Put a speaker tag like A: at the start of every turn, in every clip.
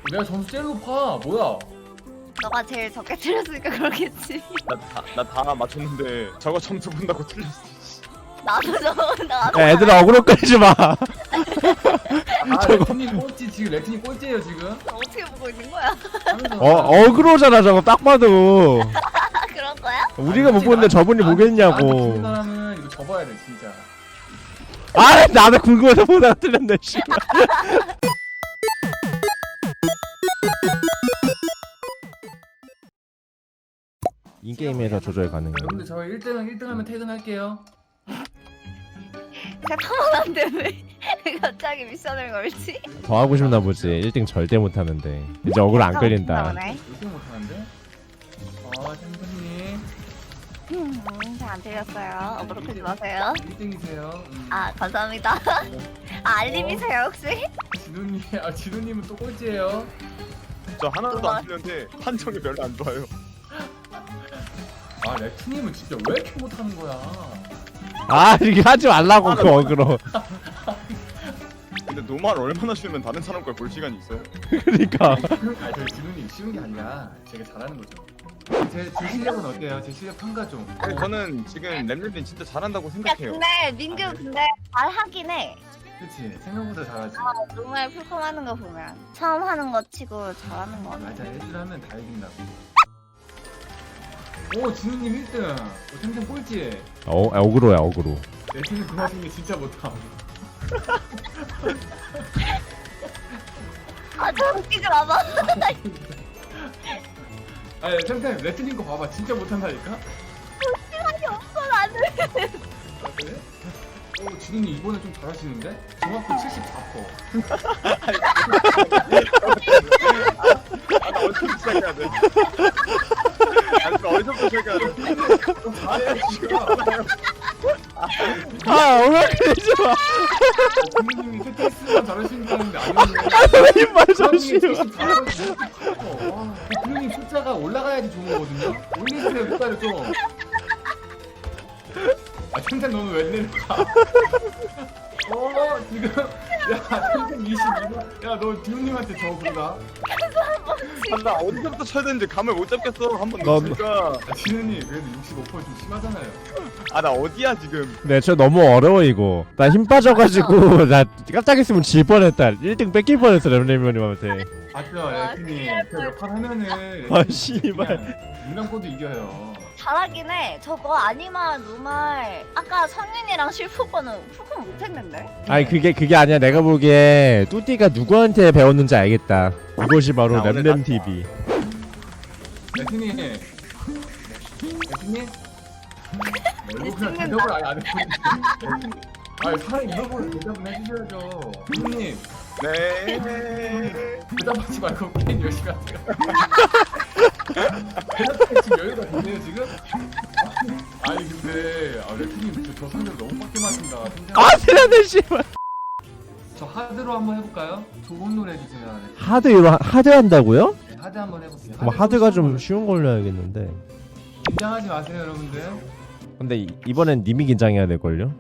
A: 내가 점수 제일 높아. 뭐야?
B: 너가 제일 적게 틀렸으니까 그렇겠지.
C: 나 다 맞췄는데 저거 점수 본다고 틀렸어.
B: 나도.
D: 야, 얘들아 어그로 끌지 마.
A: 아 레트님 꼴찌 지금 레트님 꼴찌예요 지금.
B: 어떻게 보고 있는 거야?
A: 하면서
D: 어그로잖아 저거 딱 봐도.
B: 그런 거야?
D: 우리가 못 보는데 저분이 보겠냐고.
A: 지는 사람은 이거 접어야 돼 진짜.
D: 아 나도 궁금해서 보다가 틀렸네 씨. 인게임에서 조절 가능해요.
A: 여러분들 저희 1등 하면 퇴근할게요.
B: 새까만한데 왜 갑자기 미션을 걸지?
D: 더 하고 싶나 보지. 1등 절대 못 하는데. 이제 어그로 안 끌린다.
A: 1등 못하는데? 아 템템님
B: 잘안 틀렸어요. 어그로 끄지 마세요.
A: 1등이세요.
B: 아 감사합니다. 아, 알림이세요 혹시?
A: 진우님은 또 꼴찌예요.
C: 저 하나도 안 틀렸는데 판정이 별로 안 좋아요.
A: 아 레트님은 진짜 왜 이렇게 못하는 거야?
D: 아 이게 하지 말라고 그 어그로.
C: 근데 노말 얼마나 쉬우면 다른 사람 걸 볼 시간이 있어요?
D: 그러니까.
A: 아니 저희 진우님 쉬운 게 아니라 제가 잘하는 거죠. 제 실력은 어때요? 제 실력 평가 좀.
C: 저는 지금 램램님 진짜 잘한다고
B: 야
C: 생각해요.
B: 근데 민규 근데 잘하긴 해.
A: 그치 생각보다 잘하지.
B: 정말 풀컴하는 거 보면 처음 하는 거 치고 잘하는 거 같아.
A: 맞아 애들 하면 다 이긴다고. 오 진우님 1등. 템템 꼴찌.
D: 어그로야 어그로.
A: 레트님 그 와중에 진짜 못함.
B: 아저 웃기지 마봐.
A: 아니 템템 레트님 거 봐봐 진짜 못한다니까.
B: 시간이 없어 나는.
A: 아, 그래? 오 진우님 이번에 좀 잘하시는데? 정확히 74%.
C: 나 어디서부터 시작해야 돼? 나 어디서부터 시작해야 돼?
A: 잘해 지금.
D: 아 어그로 끌지 마.
A: 진우님이 세테스만 잘하시니까 하는데 아니네.
D: 왜 이말 저씨요.
A: 부모님 숫자가 올라가야지 좋은 거거든요. 올리세요 숫자를 좀. 아 템템 너는 왜 내려가? 지금 야 템템 22번. 야너 디우님한테 저 부르다.
C: 나 어디서부터 쳐야 되는지 감을 못 잡겠어. 한번
D: 너-
C: 넣으니까.
A: 디우님 그래도 65%좀 심하잖아요.
C: 나 어디야 지금?
D: 네, 저 너무 어려워 이거. 나 힘 빠져가지고 나 깜짝 있으면 질 뻔했다. 1등 뺏길 뻔했어 램램님한테.
A: 맞죠 레트님. 그 역할 하면은.
D: 아, 씨발.
A: 인간코드 이겨요.
B: 잘하긴 해. 저거 아니마 노말 아까 성윤이랑 실프거는 풀컴 못했는데.
D: 아니 그게 아니야. 내가 보기에 뚜띠가 누구한테 배웠는지 알겠다. 이것이 바로
C: 나 오늘
D: 램램 TV.
A: 레트님. 레트님. 이거 그냥 대답을 아예 안 해. 아니 사람 이런 걸 대답은 해주셔야죠. 형님
C: 네.
A: 대답하지 말고 게임 열심히 하세요. 대답할 지금 여유가 되네요 지금? 아니 근데 레트님 저 상대로 너무 빡게 맞는다.
D: 아 틀렸네 씨발.
A: 저 하드로 한번 해볼까요? 좋은 노래 해주세요.
D: 하드 한다고요?
A: 네, 하드 한번 해볼게요.
D: 그럼 하드가 좀
A: 걸로.
D: 쉬운 걸로 해야겠는데.
A: 긴장하지 마세요 여러분들.
D: 근데 이번엔 님이 긴장해야 될 걸요?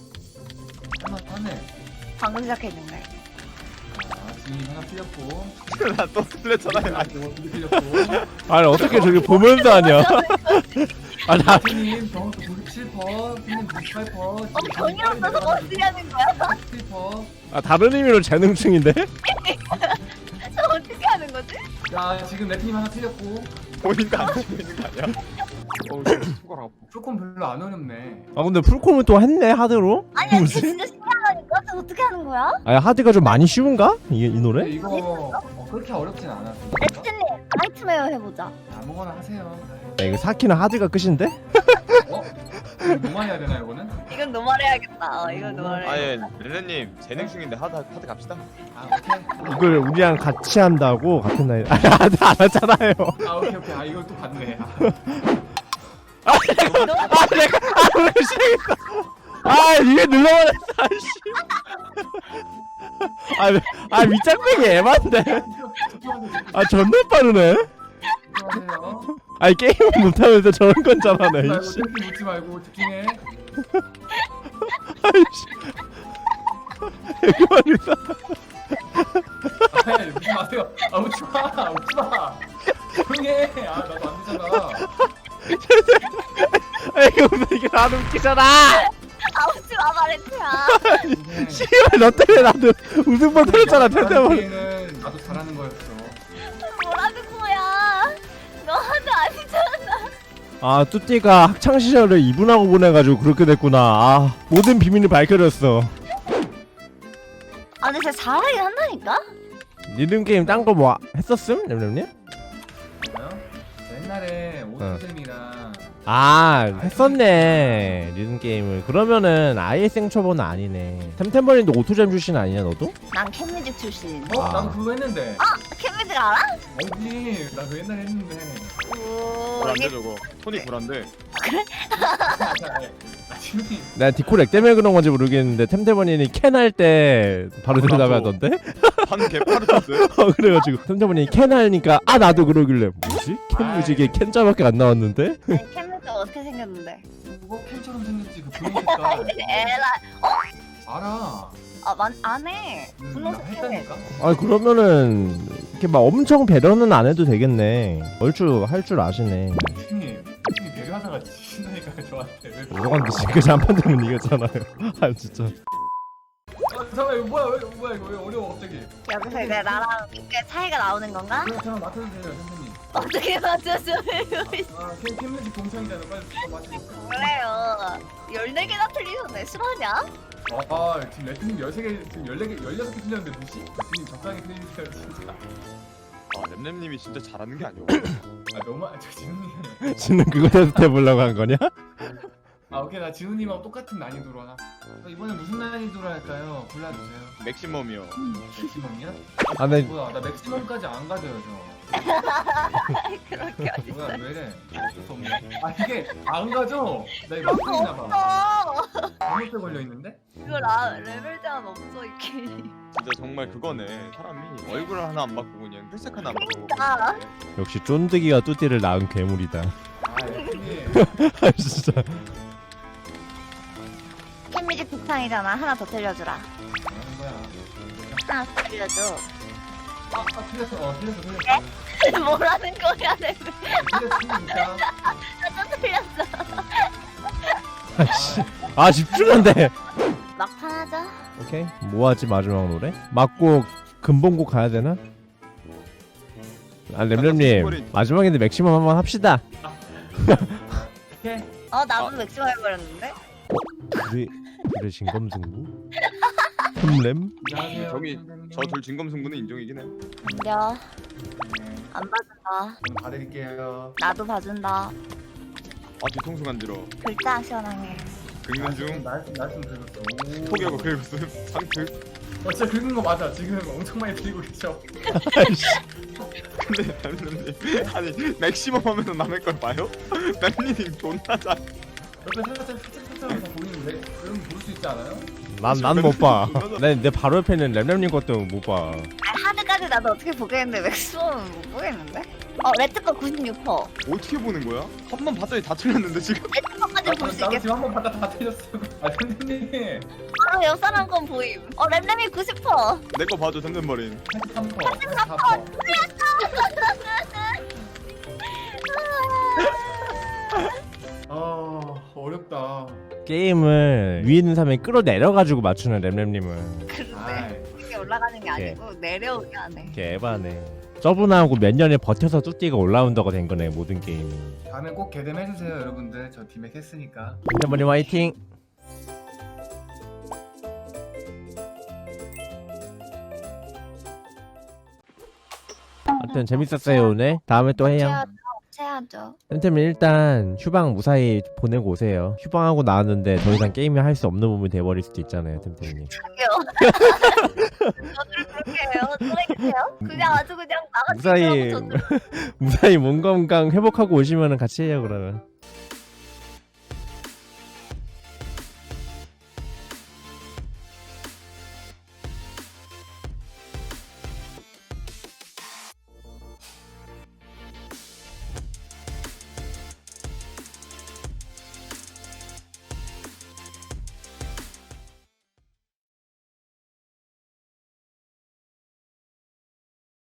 A: 하네.
B: 방금 시작했는데.
A: 지금 하나 틀렸고.
C: 나 또 틀렸잖아요.
A: 이거 두개 틀렸고.
D: 아니 어떻게 저기 보면서 하냐? 아나
A: 레트님 정확히 97%, 님 98%.
B: 병이 없어서 뭐 쓰냐는 거야?
A: 97%.
D: 다른 의미로 재능충인데?
B: 저 어떻게 하는 거지?
A: 야 지금 레트님 하나 틀렸고.
C: 본인도 안 치고 있는 거 아니야? 진짜 속을 아파.
A: 조금 별로 안 어렵네.
D: 아 근데 풀콤을 또 했네 하드로?
B: 아니야 쟤
D: 뭐지?
B: 진짜 신기하다니까. 저 어떻게 하는 거야?
D: 아니 하드가 좀 많이 쉬운가? 이
A: 근데
D: 노래?
A: 이거 그렇게 어렵진 않아.
B: 레트님 나이트메어 해보자.
A: 아무거나 하세요.
D: 야 이거 사키는 하드가 끝인데?
A: 어? 이거 뭐만 해야 되나 이거는?
B: 이건 노말해야겠다. 이건 노말해.
C: 아예 렐레님 재능 중인데 하드 갑시다.
A: 아 오케이.
D: 이걸 우리랑 같이 한다고? 같은 나이 아니 하드 안 하잖아요.
A: 아 오케이. 아 이걸 또 봤네.
D: 왜 시작했어? 아 이게 눌러버렸어 아이씨. 아 밑장빼기 애만데. 아 존나 빠르네.
A: 안녕하세요.
D: 아니 게임은 못하면서 저런 건 잘하네
A: 말고
D: 이씨.
A: 새끼 묻지 말고 집중해.
D: 아이씨. 이거 말이다.
A: 아니 웃지 마세요. 아 웃지 마. 웃지 마. 조용히 해. 아 나도 안 되잖아.
D: 이거 이게 나도 웃기잖아.
B: 아 웃지 마 마렌트야.
D: 씨발 너 때문에 나도 웃음만 터졌잖아 템템버린.
A: 는 나도 잘하는 거였어.
B: 뭐라는 거야? 너한테 아니잖아.
D: 아 뚜띠가 학창 시절을 이분하고 보내가지고 그렇게 됐구나. 아 모든 비밀이 밝혀졌어.
B: 아 근데 진짜 잘하긴 한다니까?
D: 리듬 게임 딴 거 뭐 했었음? 렘렘님?
A: 뭐요? 옛날에 오토잼이랑
D: 아 했었네 리듬 게임을. 그러면은 아예 생초보는 아니네. 템템버린도 오토잼 출신 아니냐 너도?
B: 난 캔뮤직 출신.
D: 아.
A: 나도 그거 했는데.
B: 캔뮤직 알아?
A: 언니 나 그거 옛날에 했는데.
B: 오
C: 불안데
B: 이게
C: 저거. 손이 불안데.
A: 지훈이
D: 난 디코렉 때문에 그런 건지 모르겠는데 템템버린이 캔 할 때 바로 대답하던데?
C: 한 개파르였어요.
D: 그래가지고 템템버린이 캔 하니까 아 나도 그러길래 뭐지? 캔 뮤직에 캔자밖에 안 나왔는데?
B: 아니, 캔뮤직 어떻게 생겼는데?
A: 그거 캔처럼 생겼지 그 분홍 색깔.
B: 에라
A: 알아.
B: 안 해. 분홍색 캔.
A: 했다니까.
D: 아 그러면은 이렇게 막 엄청 배려는 안 해도 되겠네. 얼추 할 줄 아시네.
A: 형님 배려하다가 지신다니까 저한테. 왜
D: 이러건데 지금까지 한 판 되면 이겼잖아요. 아 진짜.
A: 잠깐만 이거 뭐야 이거 왜 어려워 갑자기.
B: 여기서 이제 나랑 꽤 차이가 나오는 건가?
A: 그냥 맡아주세요 선생님.
B: 어떻게 맞춰줘요?
A: 아 캔뮤직 동창이잖아 빨리 맡아주세요.
B: 그래요. 14개나 틀리셨네. 싫어하냐?
A: 아 지금 레트님 13개 지금 14개 16개 틀렸는데 무시? 지금 적당히 틀리세요 진짜.
C: 아 램램님이 진짜 잘하는 게 아니오.
A: 아 너무 저 진우님.
D: 지는 그거 테스트 해보려고 한 거냐?
A: 아 오케이 나 진우님하고 똑같은 난이도로 하나. 이번에 무슨 난이도로 할까요? 골라주세요.
C: 맥시멈이요.
A: 맥시멈이야?
D: 아, 네.
A: 뭐야 나 맥시멈까지 안 가져요 저.
B: 그렇게 어딨어?
A: 뭐야 왜래? 아 이게 안 가져? 나 이거 막고 있나봐.
B: 없어.
A: 잘못돼 걸려 있는데?
B: 이거 레벨 제한 없어 이게.
C: 진짜 정말 그거네. 사람이 얼굴 하나 안 바꾸고 그냥 혈색 하나 안 바꾸고.
B: 아.
D: 역시 쫀득이가 뚜띠를 낳은 괴물이다.
A: 아 레트님.
D: 아 진짜.
B: 캔뮤직 북탕이잖아. 하나 더 틀려주라.
A: 뭐하는 거야?
B: 하나 더 틀려줘.
A: 아 틀렸어.
B: 뭐라는 거야 레벨.
A: 틀렸어 진짜.
B: 나또 틀렸어.
D: 아씨. 아 집중한데.
B: 막판 하자.
D: 오케이. 뭐 하지 마지막 노래? 맞고 근본곡 가야 되나? 아 렘렘님 마지막인데 맥시멈 한번 합시다.
A: 오케이.
B: 나도 맥시멈 해버렸는데.
D: 그래 진검승부? 흠렘?
A: 안녕하세요.
C: 저기
A: 선생님.
C: 저 둘 진검승부는 인정이긴 해.
B: 인정.
A: 네,
B: 안 봐준다.
A: 좀 봐드릴게요.
B: 나도 봐준다.
C: 아 뒤통수 간지러.
B: 글자 시원하게.
C: 긁는 중.
A: 말씀 긁었어.
C: 포기하고 긁었음. 상트.
A: 진짜 긁은 거 맞아. 지금 엄청 많이 들고 계셔.
D: 아이씨.
C: 근데 램램님 아니 맥시멈 하면서 남의 걸 봐요? 램램님 존나 잘.
A: 옆에 살짝 다 보이는데 그럼 볼 수 있지 않아요?
D: 난 못 봐. 내 바로 옆에 있는 렘렘님 것도 못 봐.
B: 하드까지 나도 어떻게 보겠는데 맥시멈은 못 보겠는데? 레트 거 96%.
C: 어떻게 보는 거야? 한 번 봤더니 다 틀렸는데 지금?
B: 레트 거까지 볼 수
A: 나도
B: 있겠어.
A: 지금 한 번 봤다 다 틀렸어. 아 선생님.
B: 바로 옆 사람 건 보임. 렘렘이 90%.
C: 내 거 봐줘 템템버린.
A: 83%. 84%. 어렵다.
D: 게임을 위에 있는 사람이 끌어내려가지고 맞추는 렘렘님은
B: 그런데 이게 올라가는 게 아니고 내려오게 하네.
D: 개 에바네. 저분하고 몇 년을 버텨서 뚜띠가 올라운더가 된 거네 모든 게임이.
A: 다음에 꼭 개dem해주세요 여러분들. 저 디맥 했으니까.
D: 템템버린 화이팅. 하여튼 재밌었어요 오늘. 다음에 또 해요.
B: 해야죠.
D: 템템은 일단 휴방 무사히 보내고 오세요. 휴방하고 나왔는데 더 이상 게임을 할 수 없는 몸이 돼버릴 수도 있잖아요 템템님.
B: 저기요. 저를 그렇게 해요? 또래겠어요? 그냥 아주 그냥 나같이
D: 무사히
B: 저를
D: 무사히 몸 건강 회복하고 오시면 같이 해요 그러면.